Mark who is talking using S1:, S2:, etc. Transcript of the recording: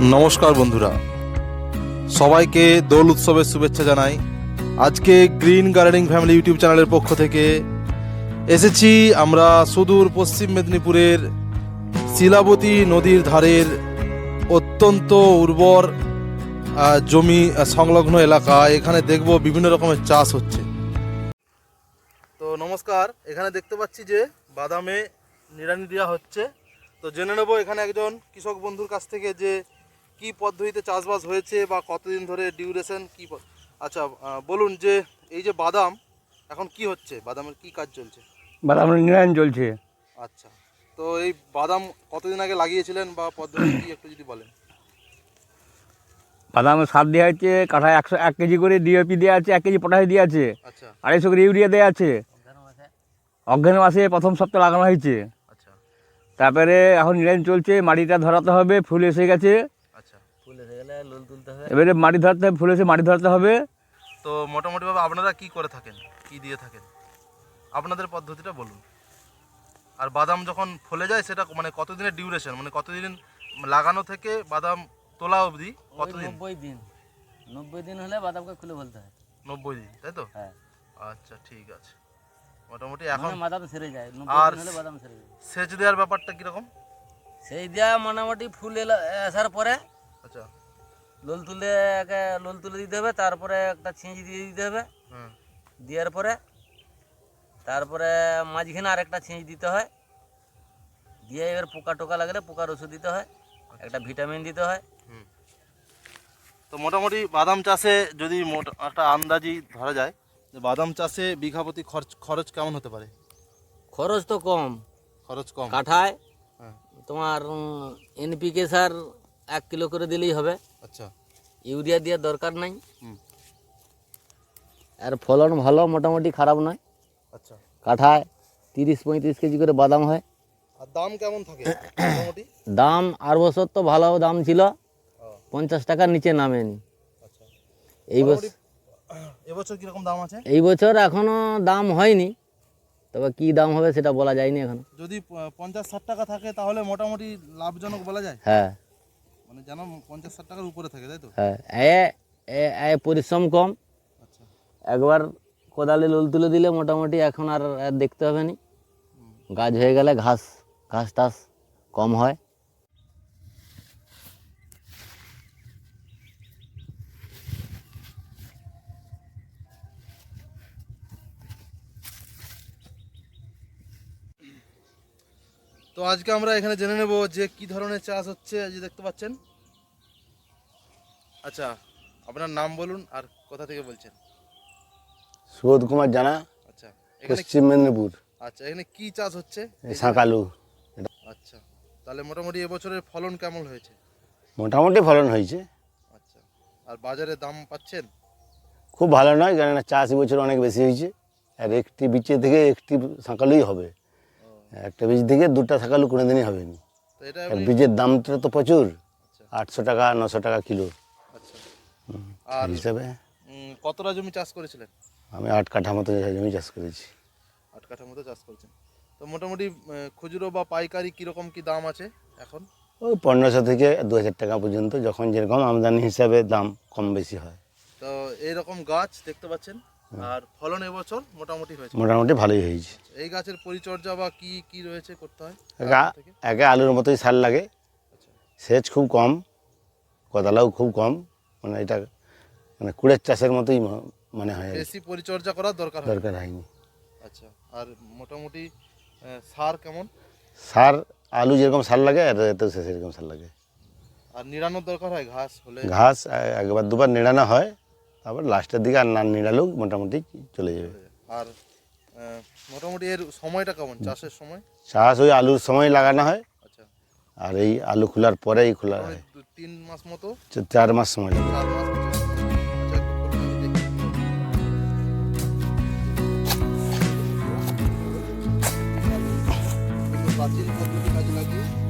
S1: নমস্কার বন্ধুরা, সবাইকে দোল উৎসবের শুভেচ্ছা জানাই। আজকে গ্রিন গার্ডেনিং ফ্যামিলি ইউটিউব চ্যানেলের পক্ষ থেকে এসেছি আমরা সুদূর পশ্চিম মেদিনীপুরের শিলাবতী নদীর ধারের অত্যন্ত উর্বর জমি সংলগ্ন এলাকা। এখানে দেখব বিভিন্ন রকমের চাষ হচ্ছে। তো নমস্কার, এখানে দেখতে পাচ্ছি যে বাদামে নিড়ানি দেওয়া হচ্ছে। তো জেনে নেব এখানে একজন কৃষক বন্ধুর কাছ থেকে যে কি পদ্ধতিতে চাষবাস হয়েছে বা কতদিন ধরে ডিউরেশন কি। আচ্ছা, বলুন যে এই যে বাদাম এখন কি হচ্ছে, বাদামের কি কাজ চলছে?
S2: বাদামের নিড়ানি চলছে।
S1: আচ্ছা, তো এই বাদাম কতদিন আগে লাগিয়েছিলেন বা পদ্ধতি কি একটু যদি বলেন।
S2: বাদামের সার দেওয়া হচ্ছে, কাঠায় 1 কেজি করে ডিএপি দেওয়া আছে, 1 কেজি পটাশ দেওয়া আছে,
S1: আচ্ছা
S2: 250 করে ইউরিয়া দেওয়া আছে। অজ্ঞান মাসে প্রথম সপ্তাহে লাগানো হয়েছে।
S1: আচ্ছা
S2: তারপরে এখন নিড়ানি চলছে, মাটিটা ধরাতে হবে, ফুল এসে গেছে।
S1: আচ্ছা
S3: ফুল এসে গেলে লোল তুলতে হবে।
S2: এবারে মাটি ধরতে হবে, ফুল এসে মাটি ধরাতে হবে।
S1: তো মোটামুটিভাবে আপনারা কি করে থাকেন, কি দিয়ে থাকেন, আপনাদের পদ্ধতিটা বলুন। আর বাদাম যখন ফলে যায় সেটা মানে কতদিনের ডিউরেশন, মানে কতদিন লাগানো থেকে বাদাম তোলা অবধি কতদিন?
S3: 90 দিন হলে বাদামকে খুলে ফেলতে হয়।
S1: 90 দিন, তাই তো?
S3: হ্যাঁ,
S1: আচ্ছা ঠিক আছে। মোটামুটি এখন
S3: মানে বাদাম সেরে যায়। 90
S1: আর
S3: দিন হলে বাদাম সেরে যায়।
S1: সেচ দেওয়ার ব্যাপারটা কীরকম?
S3: সেই দেওয়া মোটামুটি ফুল আসার পরে
S1: আচ্ছা
S3: লোল তুলে দিতে হবে, তারপরে একটা ছিঁচ দিয়ে দিতে হবে।
S1: হুম
S3: দেওয়ার পরে তারপরে মাঝখানে আরেকটা ছিঁচ দিতে হয়। দিয়ে এবার পোকা টোকা লাগলে পোকার ওষুধ দিতে হয়, একটা ভিটামিন দিতে হয়।
S1: হুম। তো মোটামুটি বাদাম চাষে যদি একটা আন্দাজি ধরা যায় যে বাদাম চাষে বিঘা প্রতি খরচ কেমন হতে পারে?
S3: খরচ তো কম,
S1: খরচ কম।
S3: কাঠায়
S1: হ্যাঁ
S3: তোমার এনপিকে সার 1 কিলো করে দিলেই হবে।
S1: আচ্ছা
S3: ইউরিয়া দেওয়ার দরকার নাই।
S1: হুম
S3: আর ফলন ভালো, মোটামুটি খারাপ নয়।
S1: আচ্ছা।
S3: কাঠায় 30-35 কেজি করে বাদাম হয়।
S1: আর দাম কেমন থাকে মোটামুটি?
S3: দাম আর বছর তো ভালো দাম ছিল,
S1: ও,
S3: 50 টাকার নিচে নামেনি।
S1: আচ্ছা।
S3: এই বছর
S1: মোটামুটি এবছর কিরকম দাম আছে?
S3: এই বছর এখনো দাম হয়নি, তবে কি দাম হবে সেটা বলা যায়নি এখনো।
S1: যদি 50-60 টাকা থাকে তাহলে মোটামুটি লাভজনক বলা যায়,
S3: হ্যাঁ
S1: মানে যেন 50-60 টাকার উপরে থাকে, তাই তো?
S3: হ্যাঁ, পরিশ্রম কম।
S1: আচ্ছা
S3: একবার কোদালে লোল তুলে দিলে মোটামুটি এখন আর দেখতে হবে না। গাছ হয়ে গেলে ঘাস টাস কম হয়।
S1: তো আজকে আমরা এখানে জেনে নেব যে কি ধরনের চাষ হচ্ছে। আজ দেখতে পাচ্ছেন। আচ্ছা, আপনার নাম বলুন আর কোথা থেকে বলছেন?
S4: সুবোধ কুমার জানা,
S1: আচ্ছা এখানে
S4: পশ্চিম মেদিনীপুর,
S1: আচ্ছা এখানে কি চাষ হচ্ছে?
S4: শাঁকালু।
S1: আচ্ছা, তাহলে মোটামুটি এবছরের ফলন কেমন হয়েছে?
S4: মোটামুটি ফলন হয়েছে,
S1: আচ্ছা, আর বাজারে দাম পাচ্ছেন?
S4: খুব ভালো নয়, কেননা চাষ বছর অনেক বেশি হয়েছে। আর একটি বীজের থেকে একটি শাঁকালুই হবে, একটা বীজ থেকে 2টা শাঁকালু কোনোদিনই হবে না।
S1: তো এটা
S4: আর বীজের দামটা তো প্রচুর,
S1: আচ্ছা
S4: 800 টাকা 900 টাকা কিলো
S1: আচ্ছা। আর
S4: এই হিসাবে।
S1: কতটা জমি চাষ করেছিলেন?
S4: আমি 8 কাঠা মতো জমি চাষ করেছি।
S1: 8 কাঠার মতো চাষ করেছেন। তো মোটামুটি খুচরো বা পাইকারি কীরকম কি দাম আছে এখন?
S4: ওই 1500 থেকে 2000 টাকা পর্যন্ত, যখন যেরকম আমদানি হিসাবে দাম কম বেশি হয়।
S1: তো এইরকম গাছ দেখতে পাচ্ছেন, আর ফলন এবছর মোটামুটি হয়েছে?
S4: মোটামুটি ভালোই হয়েছে।
S1: এই গাছের পরিচর্যা বা কি কি রয়েছে করতে হয়?
S4: একে আলুর মতোই সার লাগে,
S1: আচ্ছা
S4: সেচ খুব কম, কোদালাও খুব কম, মানে এটা মানে কুড়ের চাষের মতোই মনে হয়,
S1: বেশি পরিচর্যা করার দরকার হয়?
S4: দরকার হয়নি।
S1: আচ্ছা, আর মোটামুটি সার কেমন?
S4: সার আলু যেরকম সার লাগে আর এতেও সেরকম সার লাগে।
S1: আর নিড়ানোর দরকার হয় ঘাস হলে?
S4: ঘাস একবার দুবার নিড়ানো হয়, তারপর লাস্টের দিকে আর না নিড়ালেও মোটামুটি চলে যাবে।
S1: আর মোটামুটি এর সময়টা কেমন, চাষের সময়?
S4: চাষ ওই আলুর সময় লাগানো হয়,
S1: আচ্ছা,
S4: আর এই আলু খোলার পরেই খোলা হয়।
S1: 3 মাস মতো?
S4: 4 মাস সময় লাগে।
S1: 4 মাস? আচ্ছা, একটু খুলুন, আমি দেখি। কিন্তু প্রাচীন পদ্ধতি কাজে লাগিয়ে